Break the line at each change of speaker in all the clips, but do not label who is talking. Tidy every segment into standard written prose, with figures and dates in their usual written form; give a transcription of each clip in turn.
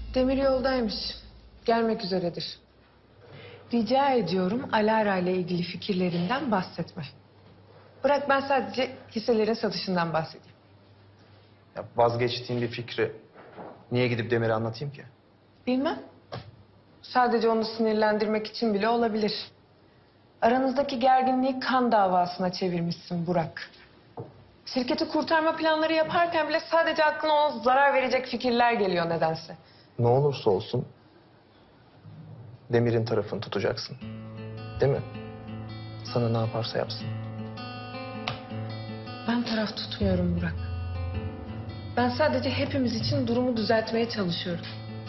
Demir yoldaymış. Gelmek üzeredir. Rica ediyorum Alara ile ilgili fikirlerinden bahsetme. Bırak ben sadece hisselerin satışından bahsedeyim.
Ya vazgeçtiğim bir fikri niye gidip Demir'e anlatayım ki?
Bilmem. Sadece onu sinirlendirmek için bile olabilir. Aranızdaki gerginliği kan davasına çevirmişsin Burak. Şirketi kurtarma planları yaparken bile sadece aklına ona zarar verecek fikirler geliyor nedense.
Ne olursa olsun Demir'in tarafını tutacaksın. Değil mi? Sana ne yaparsa yapsın.
Ben taraf tutmuyorum Burak. Ben sadece hepimiz için durumu düzeltmeye çalışıyorum.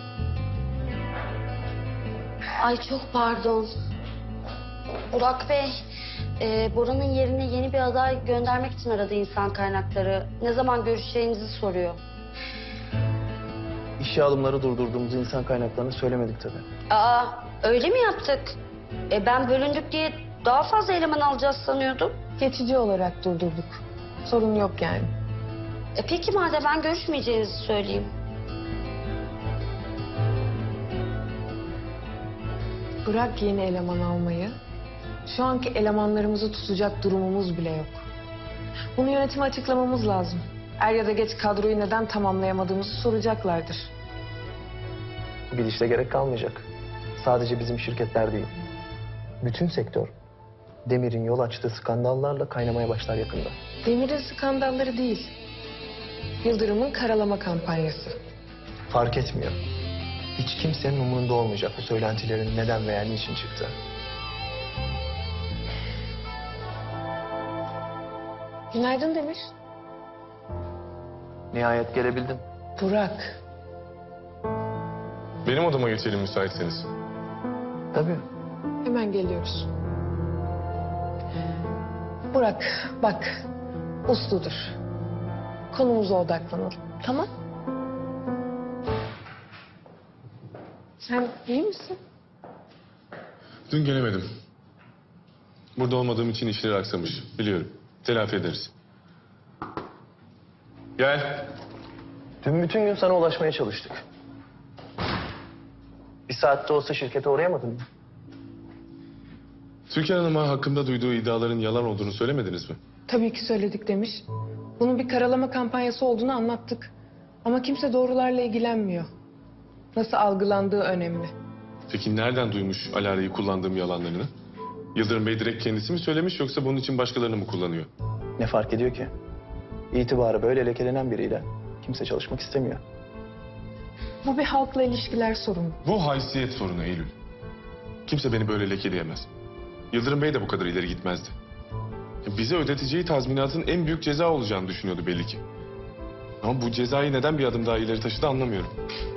Ay çok pardon. Burak Bey, Bora'nın yerine yeni bir aday göndermek için aradı insan kaynakları. Ne zaman görüşeceğinizi soruyor.
İşe alımları durdurduğumuzu insan kaynaklarına söylemedik tabii.
Aa, öyle mi yaptık? Ben bölündük diye daha fazla eleman alacağız sanıyordum.
Geçici olarak durdurduk. Sorun yok yani.
Peki madem ben görüşmeyeceğinizi söyleyeyim.
Bırak yeni eleman almayı. Şu anki elemanlarımızı tutacak durumumuz bile yok. Bunu yönetime açıklamamız lazım. Er ya da geç kadroyu neden tamamlayamadığımızı soracaklardır.
Bu gidişle gerek kalmayacak. Sadece bizim şirketler değil. Bütün sektör Demir'in yol açtığı skandallarla kaynamaya başlar yakında.
Demir'in skandalları değil. Yıldırım'ın karalama kampanyası.
Fark etmiyor. Hiç kimsenin umurunda olmayacak bu söylentilerin neden veya niçin çıktı.
Günaydın Demir.
Nihayet gelebildin.
Burak.
Benim odama geçelim müsaitseniz.
Tabii.
Hemen geliyoruz. Burak bak. Usludur. Konumuza odaklanalım. Tamam? Sen iyi misin?
Dün gelemedim. Burada olmadığım için işleri aksamış. Biliyorum. Telafi ederiz. Gel.
Dün bütün gün sana ulaşmaya çalıştık. Bir saatte olsa şirkete uğrayamadın mı?
Türkan Hanım'a hakkımda duyduğu iddiaların yalan olduğunu söylemediniz mi?
Tabii ki söyledik demiş. Bunun bir karalama kampanyası olduğunu anlattık. Ama kimse doğrularla ilgilenmiyor. Nasıl algılandığı önemli.
Peki nereden duymuş Alara'yı kullandığım yalanlarını? Yıldırım Bey direkt kendisi mi söylemiş yoksa bunun için başkalarını mı kullanıyor?
Ne fark ediyor ki? İtibarı böyle lekelenen biriyle kimse çalışmak istemiyor.
Bu bir halkla ilişkiler sorunu.
Bu haysiyet sorunu Eylül. Kimse beni böyle lekeleyemez. Yıldırım Bey de bu kadar ileri gitmezdi. Bize ödeteceği tazminatın en büyük ceza olacağını düşünüyordu belli ki. Ama bu cezayı neden bir adım daha ileri taşıdı anlamıyorum.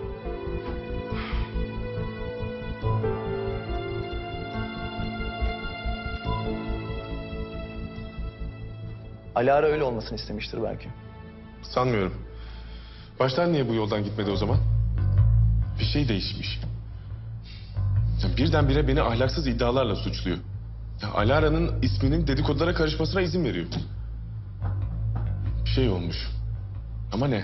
Alara öyle olmasını istemiştir belki.
Sanmıyorum. Baştan niye bu yoldan gitmedi o zaman? Bir şey değişmiş. Birdenbire beni ahlaksız iddialarla suçluyor. Alara'nın isminin dedikodulara karışmasına izin veriyor. Bir şey olmuş. Ama ne?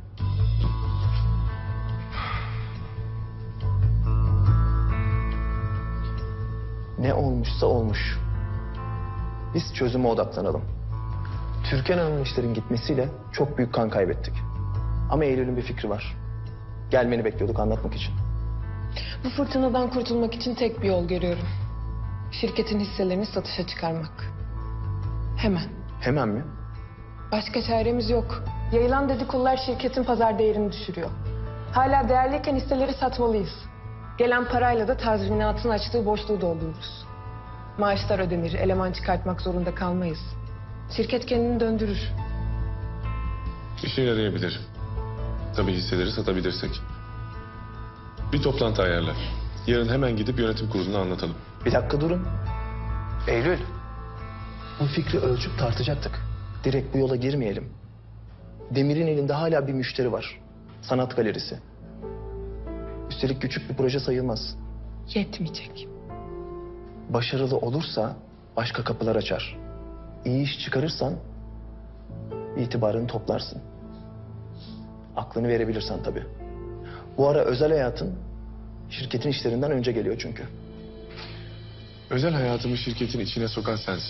Ne olmuşsa olmuş. Biz çözüme odaklanalım. Türkan Hanım'ın işlerin gitmesiyle çok büyük kan kaybettik. Ama Eylül'ün bir fikri var. Gelmeni bekliyorduk anlatmak için.
Bu fırtınadan kurtulmak için tek bir yol görüyorum. Şirketin hisselerini satışa çıkarmak. Hemen.
Hemen mi?
Başka çaremiz yok. Yayılan dedikodular şirketin pazar değerini düşürüyor. Hala değerliyken hisseleri satmalıyız. Gelen parayla da tazminatın açtığı boşluğu doldururuz. Maaşlar ödenir, eleman çıkartmak zorunda kalmayız. Şirket kendini döndürür.
İşe yarayabilir. Tabii hisseleri satabilirsek. Bir toplantı ayarla. Yarın hemen gidip yönetim kuruluna anlatalım.
Bir dakika durun. Eylül. Bu fikri ölçüp tartacaktık. Direkt bu yola girmeyelim. Demir'in elinde hala bir müşteri var. Sanat galerisi. Üstelik küçük bir proje sayılmaz.
Yetmeyecek.
Başarılı olursa başka kapılar açar. İyi iş çıkarırsan itibarını toplarsın. Aklını verebilirsen tabii. Bu ara özel hayatın şirketin işlerinden önce geliyor çünkü.
Özel hayatımı şirketin içine sokan sensin.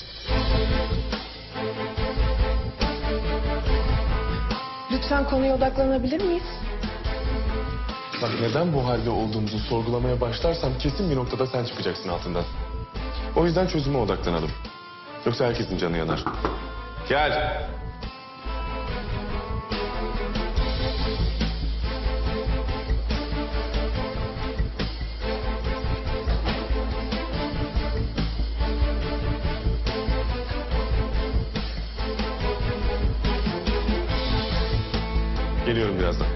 Lütfen konuya odaklanabilir miyiz?
Bak neden bu halde olduğumuzu sorgulamaya başlarsam kesin bir noktada sen çıkacaksın altından. O yüzden çözüme odaklanalım. Yoksa herkesin canı yanar. Gel. Geliyorum birazdan.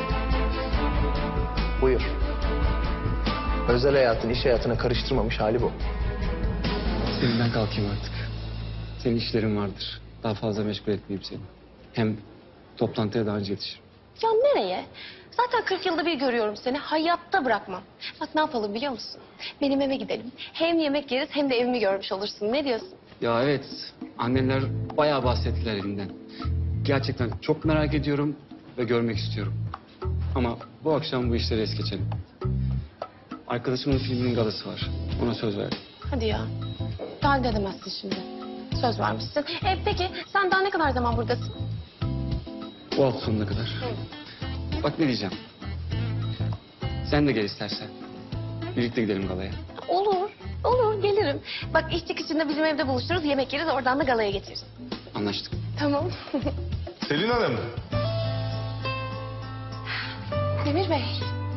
Buyur. Özel hayatın iş hayatına karıştırmamış hali bu.
Senin kalkayım artık. Senin işlerin vardır. Daha fazla meşgul etmeyeyim seni. Hem toplantıya daha önce yetişirim.
Ya nereye? Zaten 40 yılda bir görüyorum seni. Hayatta bırakmam. Bak ne yapalım biliyor musun? Benim eve gidelim. Hem yemek yeriz hem de evimi görmüş olursun. Ne diyorsun?
Ya evet, annemler bayağı bahsettiler evinden. Gerçekten çok merak ediyorum ve görmek istiyorum. Ama bu akşam bu işleri es geçelim. Arkadaşımın filminin galası var. Ona söz verdim.
Hadi ya. Daha edemezsin şimdi. Söz vermişsin. Peki sen daha ne kadar zaman buradasın?
Bu hafta sonuna kadar. Bak ne diyeceğim. Sen de gel istersen. Birlikte gidelim galaya.
Olur. Olur gelirim. Bak iş çıkışında bizim evde buluşuruz. Yemek yeriz oradan da galaya geçeriz.
Anlaştık.
Tamam.
Selin Hanım.
Demir Bey.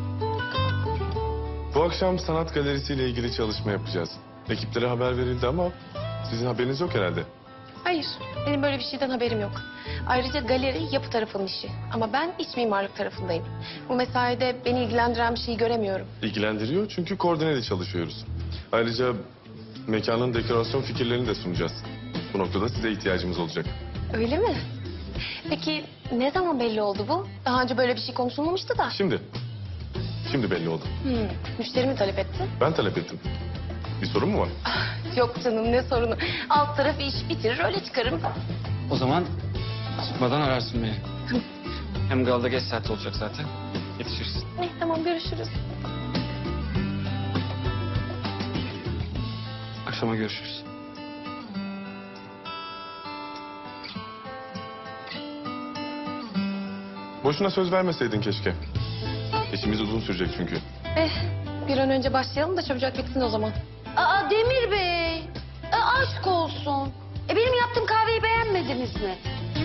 Bu akşam sanat galerisiyle ilgili çalışma yapacağız. Ekiplere haber verildi ama sizin haberiniz yok herhalde.
Hayır. Benim böyle bir şeyden haberim yok. Ayrıca galeri yapı tarafının işi. Ama ben iç mimarlık tarafındayım. Bu mesaide beni ilgilendiren bir şeyi göremiyorum.
İlgilendiriyor çünkü koordineli çalışıyoruz. Ayrıca mekanın dekorasyon fikirlerini de sunacağız. Bu noktada size ihtiyacımız olacak.
Öyle mi? Peki ne zaman belli oldu bu? Daha önce böyle bir şey konuşulmamıştı da.
Şimdi belli oldu.
Müşteri mi talep etti?
Ben talep ettim. Bir sorun mu var?
Yok canım ne sorunu. Alt tarafı iş bitirir öyle çıkarım.
O zaman çıkmadan ararsın beni. Hem galada geç saat olacak zaten. Yetişirsin.
Tamam görüşürüz.
Akşama görüşürüz.
Boşuna söz vermeseydin keşke. İşimiz uzun sürecek çünkü.
Bir an önce başlayalım da çabucak bitsin o zaman.
Aa Demir Bey. Aşk olsun. Benim yaptığım kahveyi beğenmediniz mi?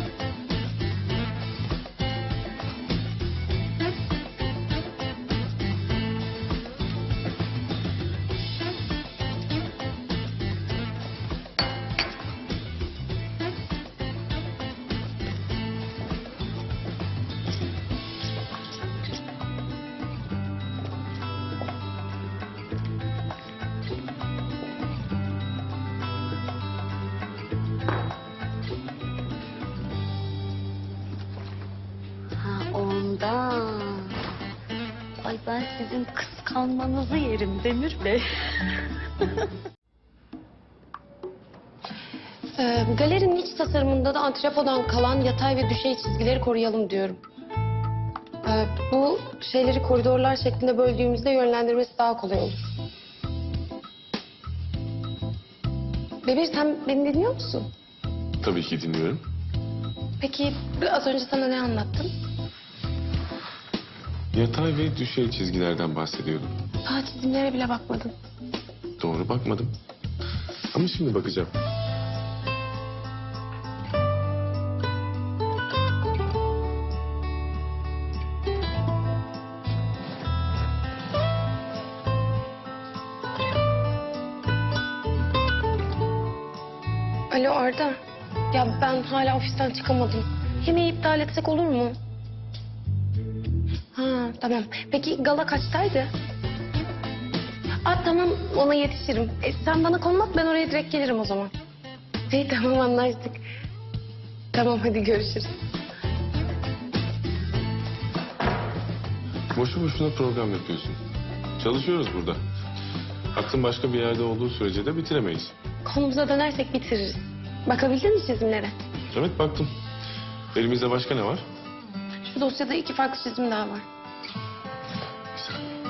Ondan. Ay ben sizin kıskanmanızı yerim Demir Bey.
Galerinin iç tasarımında da antrepodan kalan yatay ve düşey çizgileri koruyalım diyorum. Bu şeyleri koridorlar şeklinde böldüğümüzde yönlendirmesi daha kolay olur. Demir sen beni dinliyor musun?
Tabii ki dinliyorum.
Peki az önce sana ne anlattım?
Yatay ve düşey çizgilerden bahsediyordum.
Daha çizimlere bile bakmadın.
Doğru bakmadım. Ama şimdi bakacağım.
Alo Arda. Ya ben hala ofisten çıkamadım. Yemeği iptal etsek olur mu? Ha tamam. Peki gala kaçtaydı? Tamam ona yetişirim. Sen bana konum at ben oraya direkt gelirim o zaman. İyi tamam anlaştık. Tamam hadi görüşürüz.
Boşu boşuna program yapıyorsun. Çalışıyoruz burada. Aklın başka bir yerde olduğu sürece de bitiremeyiz.
Konumuza dönersek bitiririz. Bakabildin mi çizimlere?
Evet baktım. Elimizde başka ne var?
Şu dosyada 2 farklı çizim daha var.
Bir saniye.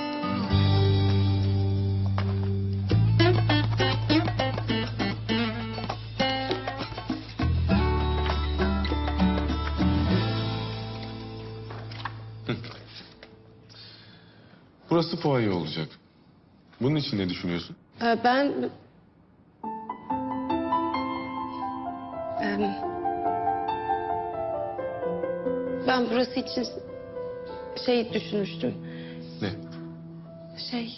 Hı. Burası fuaye olacak. Bunun için ne düşünüyorsun?
Ben... Ben burası için şey düşünmüştüm.
Ne?
Şey...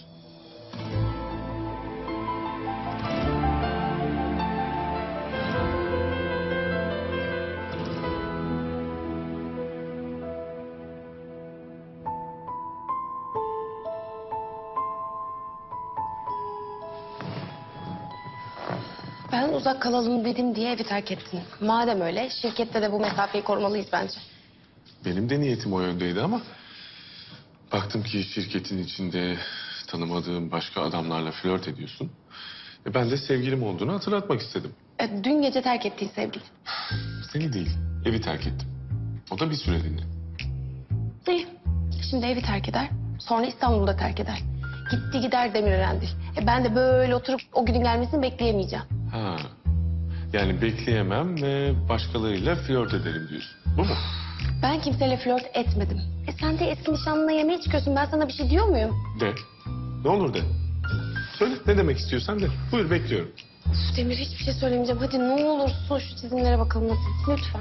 Ben uzak kalalım dedim diye evi terk ettin. Madem öyle şirkette de bu mesafeyi korumalıyız bence.
Benim de niyetim o yöndeydi ama... baktım ki şirketin içinde tanımadığım başka adamlarla flört ediyorsun. Ben de sevgilim olduğunu hatırlatmak istedim.
Dün gece terk ettiğin sevgili.
Seni değil, evi terk ettim. O da bir süreliğine.
İyi. Şimdi evi terk eder. Sonra İstanbul'da terk eder. Gitti gider Demirören'dir. Ben de böyle oturup o günün gelmesini bekleyemeyeceğim.
Ha. Yani bekleyemem ve başkalarıyla flört ederim diyorsun. Bu mu?
Ben kimseyle flört etmedim. Sen de eski nişanlına yemeğe çıkıyorsun. Ben sana bir şey diyor muyum?
De. Ne olur de. Söyle ne demek istiyorsan de. Buyur bekliyorum.
Uf, Demir hiçbir şey söylemeyeceğim. Hadi ne olursun şu çizimlere bakalım hadi. Lütfen.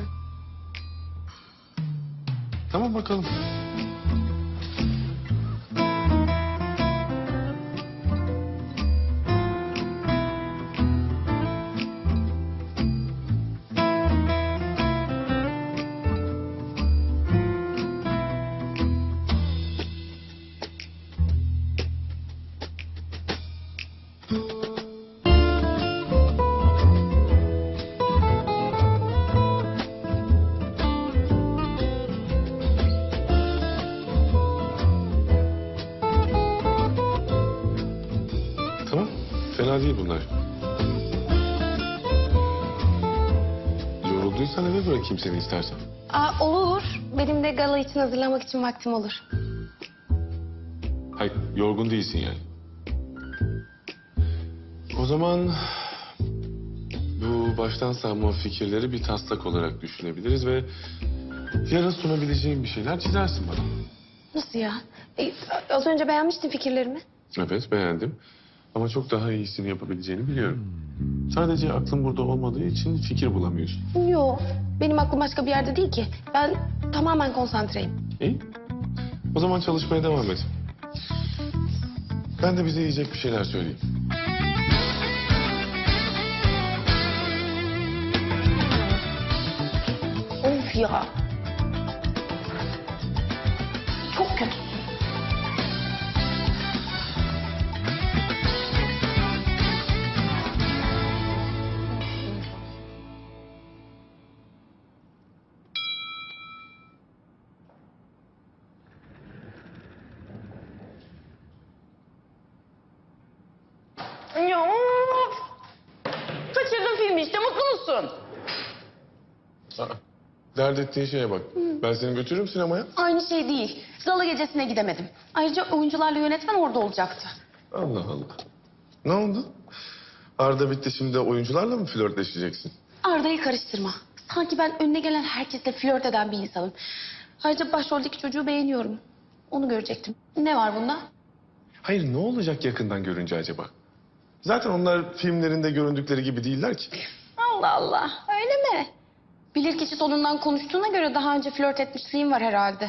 Tamam bakalım. Tamam. Fena değil bunlar. Yorulduysan eve bırakayım seni istersen.
Olur. Benim de gala için hazırlamak için vaktim olur.
Hayır, yorgun değilsin yani. O zaman bu baştan savma fikirleri bir taslak olarak düşünebiliriz ve yarın sunabileceğim bir şeyler çizersin bana.
Nasıl ya? Az önce beğenmiştin fikirlerimi.
Evet, beğendim. Ama çok daha iyisini yapabileceğini biliyorum. Sadece aklın burada olmadığı için fikir bulamıyorsun.
Yok. Benim aklım başka bir yerde değil ki. Ben tamamen konsantreyim.
İyi. O zaman çalışmaya devam et. Ben de bize yiyecek bir şeyler söyleyeyim.
Of ya. Çok kötü. Ya of! Kaçırdın filmi işte mutlu musun?
Aa, dert ettiğin şeye bak. Ben seni götürürüm sinemaya.
Aynı şey değil. Gala gecesine gidemedim. Ayrıca oyuncularla yönetmen orada olacaktı.
Allah Allah. Ne oldu? Arda bitti şimdi de oyuncularla mı flörtleşeceksin?
Arda'yı karıştırma. Sanki ben önüne gelen herkesle flört eden bir insanım. Ayrıca başroldeki çocuğu beğeniyorum. Onu görecektim. Ne var bunda?
Hayır ne olacak yakından görünce acaba? Zaten onlar filmlerinde göründükleri gibi değiller ki.
Allah Allah. Öyle mi? Bilirkişi sonundan konuştuğuna göre daha önce flört etmişliğin var herhalde.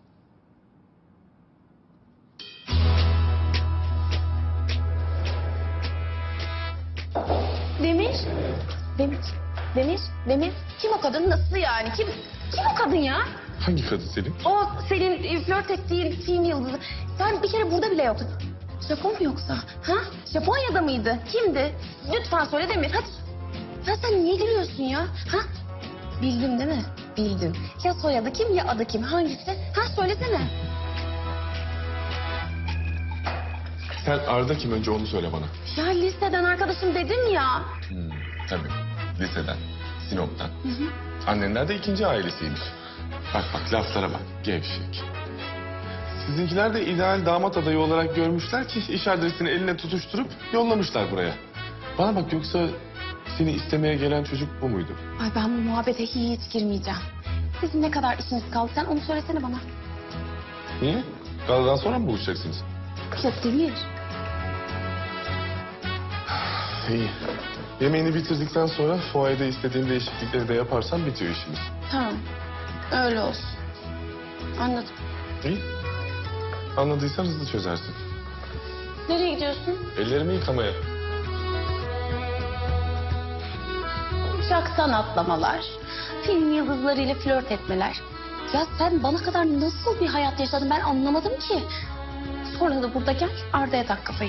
Demir. Demir. Demir. Demir. Kim o kadın? Nasıl yani? Kim o kadın ya?
Hangi kadın Selin?
O senin flört ettiğin film yıldızı. Sen bir kere burada bile yoktun. Japon mu yoksa? Ha? Japonya'da mıydı? Kimdi? Lütfen söyle Demir hadi. Ya sen niye gülüyorsun ya? Ha? Bildin değil mi? Bildin. Ya soyadı kim ya adı kim? Hangisi? Ha söylesene.
Sen Arda kim önce onu söyle bana.
Ya liseden arkadaşım dedim ya.
Tabii. Liseden, Sinop'tan. Annenler de ikinci ailesiymiş. Bak laflara bak. Gevşek. Sizinkiler de ideal damat adayı olarak görmüşler ki iş adresini eline tutuşturup yollamışlar buraya. Bana bak, yoksa seni istemeye gelen çocuk bu muydu?
Ay ben bu muhabbete hiç girmeyeceğim. Sizin ne kadar işiniz kaldı sen onu söylesene bana.
Niye? Galadan sonra mı buluşacaksınız?
Yok Demir.
İyi. Yemeğini bitirdikten sonra fuayda istediğin değişiklikleri de yaparsan bitiyor işimiz.
Tamam. Öyle olsun. Anladım.
İyi. Anladıysan hızlı çözersin.
Nereye gidiyorsun?
Ellerimi yıkamaya.
Uçaktan atlamalar, film yıldızlarıyla flört etmeler. Ya sen bana kadar nasıl bir hayat yaşadın ben anlamadım ki. Sonra da burada gel Arda'ya tak kafayı.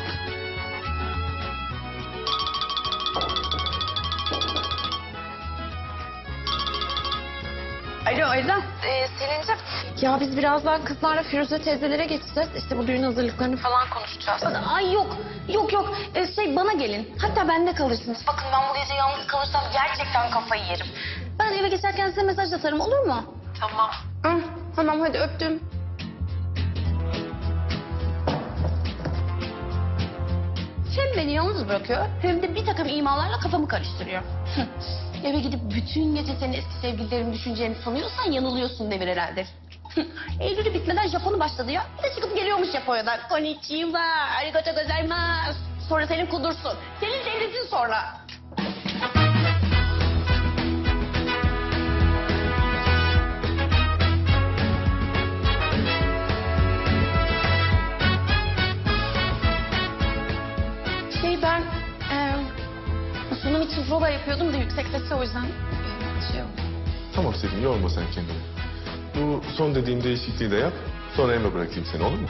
Alo Aydan. Selin'ciğim. Ya biz birazdan kızlarla Firuze teyzelere geçeceğiz. İşte bu düğün hazırlıklarını falan konuşacağız. Ay yok. Yok. Bana gelin. Hatta bende kalırsınız. Bakın ben bu gece yalnız kalırsam gerçekten kafayı yerim. Ben eve geçerken size mesaj atarım olur mu? Tamam. Tamam hadi öptüm. Hem beni yalnız bırakıyor hem de bir takım imalarla kafamı karıştırıyor. Eve gidip bütün gece senin eski sevgililerini düşüneceğini sanıyorsan yanılıyorsun Demir herhalde. Eylül'ü bitmeden Japon'u başladı ya. Bir de çıkıp geliyormuş Japonya'dan. Konnichiwa, arigato gozaimasu. Sonra senin kudursun. Senin devletin sonra. Ben sunum için prova yapıyordum da yüksek sesle o yüzden şey oldu.
Tamam Selin, yorma sen kendini. Bu son dediğim değişikliği de yap. Sonra eve bırakayım seni, olur mu?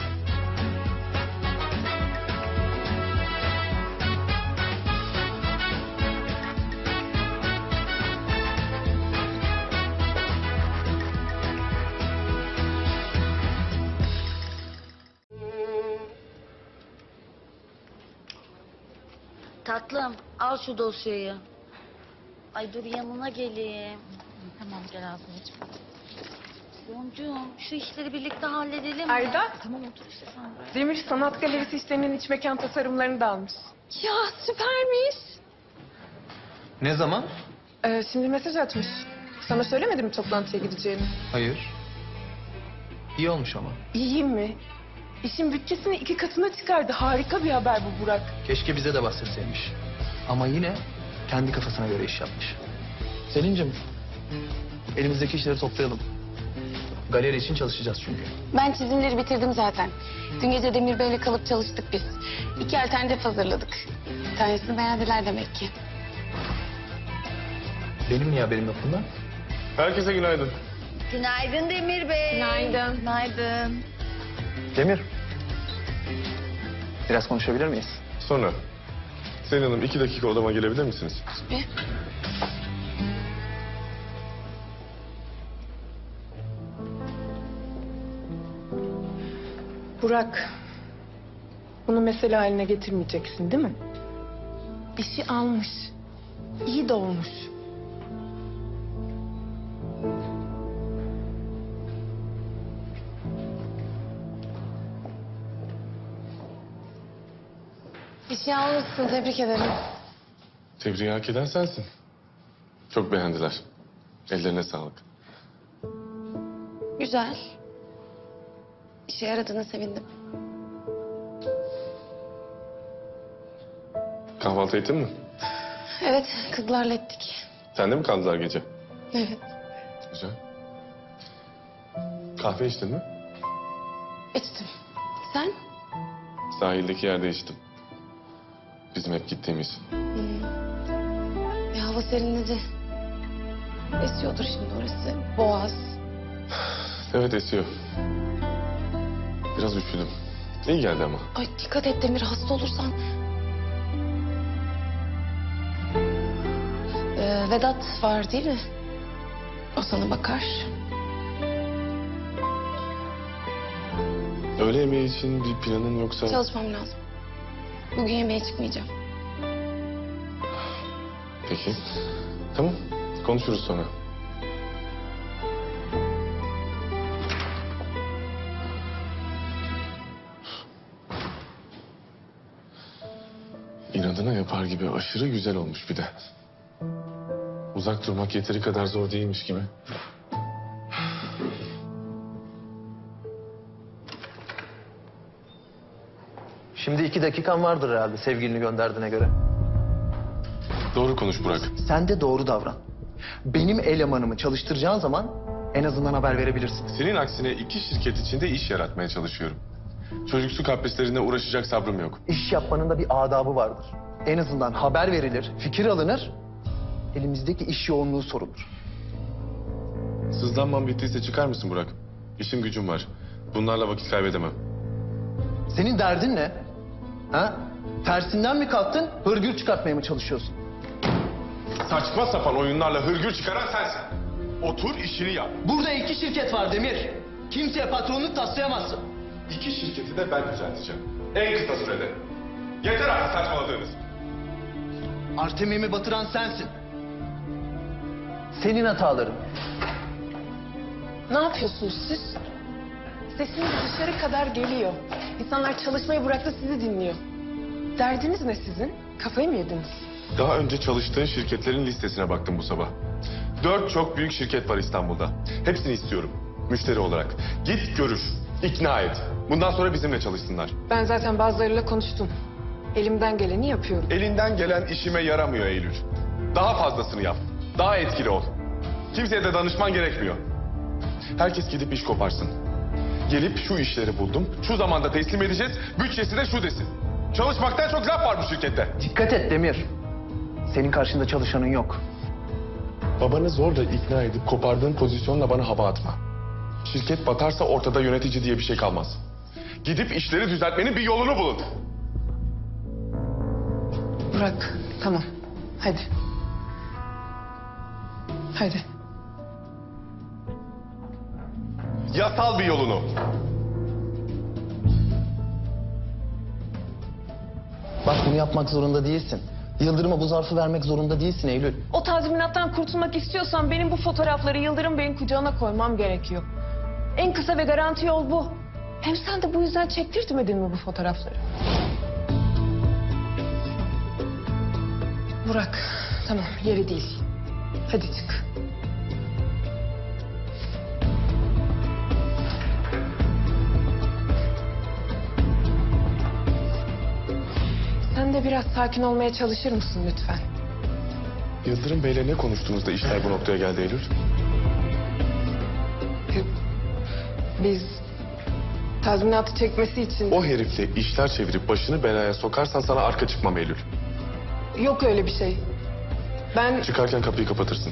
Tatlım al şu dosyayı. Ay dur yanına geleyim. Tamam gel Azmiyeciğim. Boncuğum şu işleri birlikte halledelim mi?
Ayda,
Tamam otur işte sen buraya.
Demir Sanat Galerisi işlerinin iç mekan tasarımlarını da almış.
Ya süpermiş.
Ne zaman?
Şimdi mesaj atmış. Sana söylemedim mi toplantıya gideceğini?
Hayır. İyi olmuş ama.
İyiyim mi? İşin bütçesini 2 katına çıkardı. Harika bir haber bu Burak.
Keşke bize de bahsetseymiş. Ama yine kendi kafasına göre iş yapmış. Selin'cim, elimizdeki işleri toplayalım. Galeri için çalışacağız çünkü.
Ben çizimleri bitirdim zaten. Dün gece Demir Bey'le kalıp çalıştık biz. 2 alternatif hazırladık. Bir tanesini beğendiler demek ki.
Benim niye haberim yok bundan?
Herkese günaydın.
Günaydın Demir Bey.
Günaydın. Günaydın.
Demir, biraz konuşabilir miyiz?
Sonra. Selin Hanım 2 dakika odama gelebilir misiniz?
Bir.
Burak, bunu mesele haline getirmeyeceksin değil mi? İşi almış. İyi de olmuş.
İşi almışsın tebrik ederim.
Tebriği hak eden sensin. Çok beğendiler. Ellerine sağlık.
Güzel. İşe yaradığına sevindim.
Kahvaltı ettin mi?
Evet kızlarla ettik.
Sende mi kaldılar gece?
Evet.
Güzel. Kahve içtin mi?
İçtim. Sen?
Sahildeki yerde içtim. Bizim hep gittiğimiz.
Hava serinledi. Esiyordur şimdi orası. Boğaz.
Evet esiyor. Biraz üşüdüm. İyi geldi ama.
Ay dikkat et Demir hasta olursan. Vedat var değil mi? O sana bakar.
Öğle yemeği için bir planın yoksa...
Çalışmam lazım. Bugün yemeğe çıkmayacağım.
Peki. Tamam. Konuşuruz sonra. İnadına yapar gibi aşırı güzel olmuş bir de. Uzak durmak yeteri kadar zor değilmiş gibi.
Şimdi 2 dakikan vardır herhalde sevgilini gönderdiğine göre.
Doğru konuş Burak.
Sen de doğru davran. Benim elemanımı çalıştıracağın zaman en azından haber verebilirsin.
Senin aksine 2 şirket içinde iş yaratmaya çalışıyorum. Çocuksu kaprislerine uğraşacak sabrım yok.
İş yapmanın da bir adabı vardır. En azından haber verilir, fikir alınır, elimizdeki iş yoğunluğu sorulur.
Sızlanmam bittiyse çıkar mısın Burak? İşim gücüm var. Bunlarla vakit kaybedemem.
Senin derdin ne? Ha? Tersinden mi kalktın, hırgür çıkartmaya mı çalışıyorsun?
Saçma sapan oyunlarla hırgür çıkaran sensin. Otur işini yap.
Burada 2 şirket var Demir. Kimseye patronluk taslayamazsın.
2 şirketi de ben düzelteceğim. En kısa sürede. Yeter artık saçmaladığınız.
Artemim'i batıran sensin. Senin hataların.
Ne yapıyorsunuz siz? Sesiniz dışarı kadar geliyor. İnsanlar çalışmayı bıraktı, sizi dinliyor. Derdiniz ne sizin? Kafayı mı yediniz?
Daha önce çalıştığın şirketlerin listesine baktım bu sabah. 4 çok büyük şirket var İstanbul'da. Hepsini istiyorum. Müşteri olarak. Git görüş. İkna et. Bundan sonra bizimle çalışsınlar.
Ben zaten bazılarıyla konuştum. Elimden geleni yapıyorum.
Elinden gelen işime yaramıyor Eylül. Daha fazlasını yap. Daha etkili ol. Kimseye de danışman gerekmiyor. Herkes gidip iş koparsın. Gelip şu işleri buldum, şu zamanda teslim edeceğiz, bütçesi de şu desin. Çalışmaktan çok laf var bu şirkette.
Dikkat et Demir. Senin karşında çalışanın yok.
Babanı zorla ikna edip kopardığın pozisyonla bana hava atma. Şirket batarsa ortada yönetici diye bir şey kalmaz. Gidip işleri düzeltmenin bir yolunu bulun.
Burak, tamam. Hadi. Hadi.
Yasal bir yolunu.
Bak bunu yapmak zorunda değilsin. Yıldırım'a bu zarfı vermek zorunda değilsin Eylül.
O tazminattan kurtulmak istiyorsan benim bu fotoğrafları Yıldırım Bey'in kucağına koymam gerekiyor. En kısa ve garanti yol bu. Hem sen de bu yüzden çektirtmedin mi bu fotoğrafları? Burak, tamam yeri değil. Hadi çık. Sen de biraz sakin olmaya çalışır mısın lütfen?
Yıldırım Bey'le ne konuştuğunuzda işler bu noktaya geldi Eylül?
Biz tazminatı çekmesi için...
O herifle işler çevirip başını belaya sokarsan sana arka çıkmam Eylül.
Yok öyle bir şey. Ben...
Çıkarken kapıyı kapatırsın.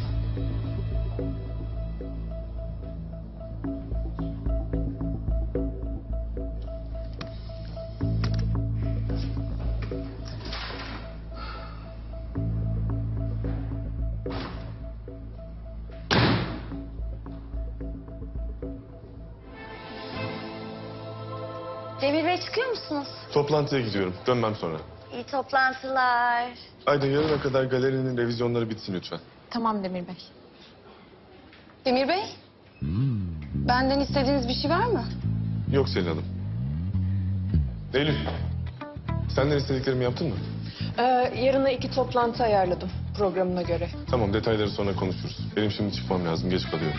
Demir Bey çıkıyor musunuz?
Toplantıya gidiyorum. Dönmem sonra.
İyi toplantılar.
Ayda yarına kadar galerinin revizyonları bitsin lütfen.
Tamam Demir Bey. Demir Bey? Benden istediğiniz bir şey var mı?
Yok Selin Hanım. Eylül, senden istediklerimi yaptın mı?
Yarına 2 toplantı ayarladım programına göre.
Tamam, detayları sonra konuşuruz. Benim şimdi çıkmam lazım, geç kalıyorum.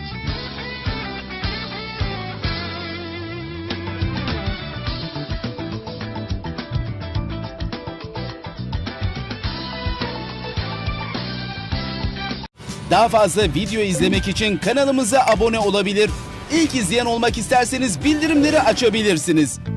Daha fazla video izlemek için kanalımıza abone olabilir. İlk izleyen olmak isterseniz bildirimleri açabilirsiniz.